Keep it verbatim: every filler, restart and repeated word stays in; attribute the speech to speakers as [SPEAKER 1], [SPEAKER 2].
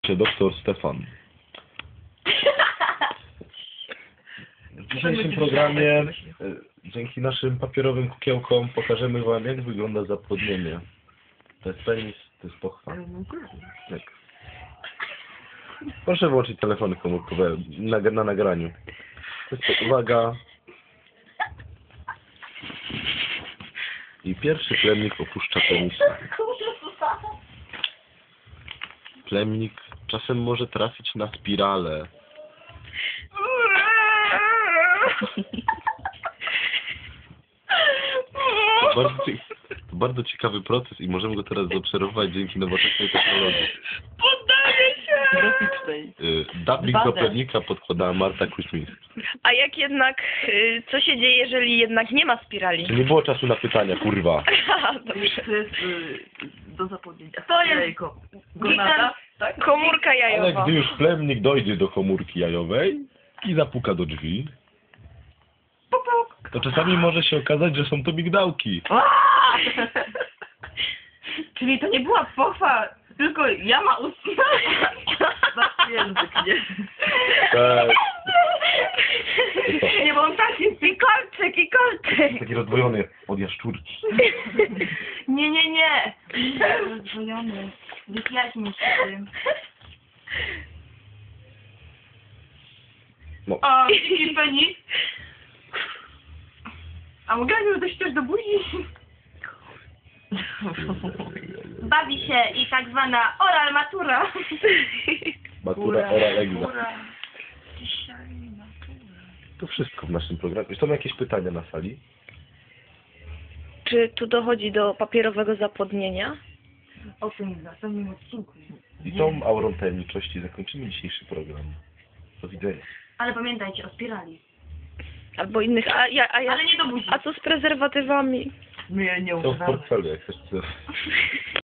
[SPEAKER 1] czy doktor Stefan. W dzisiejszym programie e, dzięki naszym papierowym kukiełkom pokażemy wam, jak wygląda zapłodnienie. To jest penis, to jest pochwa. Tak. Proszę włączyć telefony komórkowe na, na nagraniu. To jest to, uwaga. I pierwszy plemnik opuszcza penisa. Plemnik czasem może trafić na spiralę. To bardzo, cie- to bardzo ciekawy proces i możemy go teraz zaobserwować dzięki nowoczesnej technologii.
[SPEAKER 2] Poddaję się!
[SPEAKER 3] Graficznej.
[SPEAKER 1] Y, Dubbing do
[SPEAKER 3] dwa D.
[SPEAKER 1] plemnika podkładała Marta Kuźmińska.
[SPEAKER 2] A jak jednak, y, co się dzieje, jeżeli jednak nie ma spirali?
[SPEAKER 1] Czy nie było czasu na pytania, kurwa?
[SPEAKER 2] Aha, dobrze.
[SPEAKER 3] To jest y, do zapomnienia.
[SPEAKER 2] To jest
[SPEAKER 3] Jajko. Gonada? Tak?
[SPEAKER 2] Komórka
[SPEAKER 1] Ale
[SPEAKER 2] jajowa.
[SPEAKER 1] gdy już plemnik dojdzie do komórki jajowej i zapuka do drzwi,
[SPEAKER 3] Puk, puk.
[SPEAKER 1] to czasami może się okazać, że są to migdałki.
[SPEAKER 3] Aaa! Czyli to nie była pochwa, tylko jama ustna. Za język, nie?
[SPEAKER 1] Tak.
[SPEAKER 3] Nie, bo on taki pikolczyk i kolczyk.
[SPEAKER 1] Taki rozdwojony od jaszczurki.
[SPEAKER 3] Nie, nie, nie. Rozdwojony. Wyjaśnij się tym.
[SPEAKER 1] No.
[SPEAKER 3] O, dziki penis. A mogę już dojść też do buzi? Bawi się i tak zwana oral matura.
[SPEAKER 1] Matura, ora, egza.
[SPEAKER 3] Matura. Dzisiaj matura.
[SPEAKER 1] To wszystko w naszym programie. Są jakieś pytania na sali?
[SPEAKER 2] Czy tu dochodzi do papierowego zapłodnienia?
[SPEAKER 3] O tym w następnym odcinku.
[SPEAKER 1] I tą aurą tajemniczości zakończymy dzisiejszy program. Do widzenia.
[SPEAKER 3] Ale pamiętajcie o spirali.
[SPEAKER 2] Albo innych, a, ja, a, ja,
[SPEAKER 3] Ale nie do buzi.
[SPEAKER 2] a co z prezerwatywami?
[SPEAKER 3] My je nie
[SPEAKER 1] Są w portfelu, jak chcesz.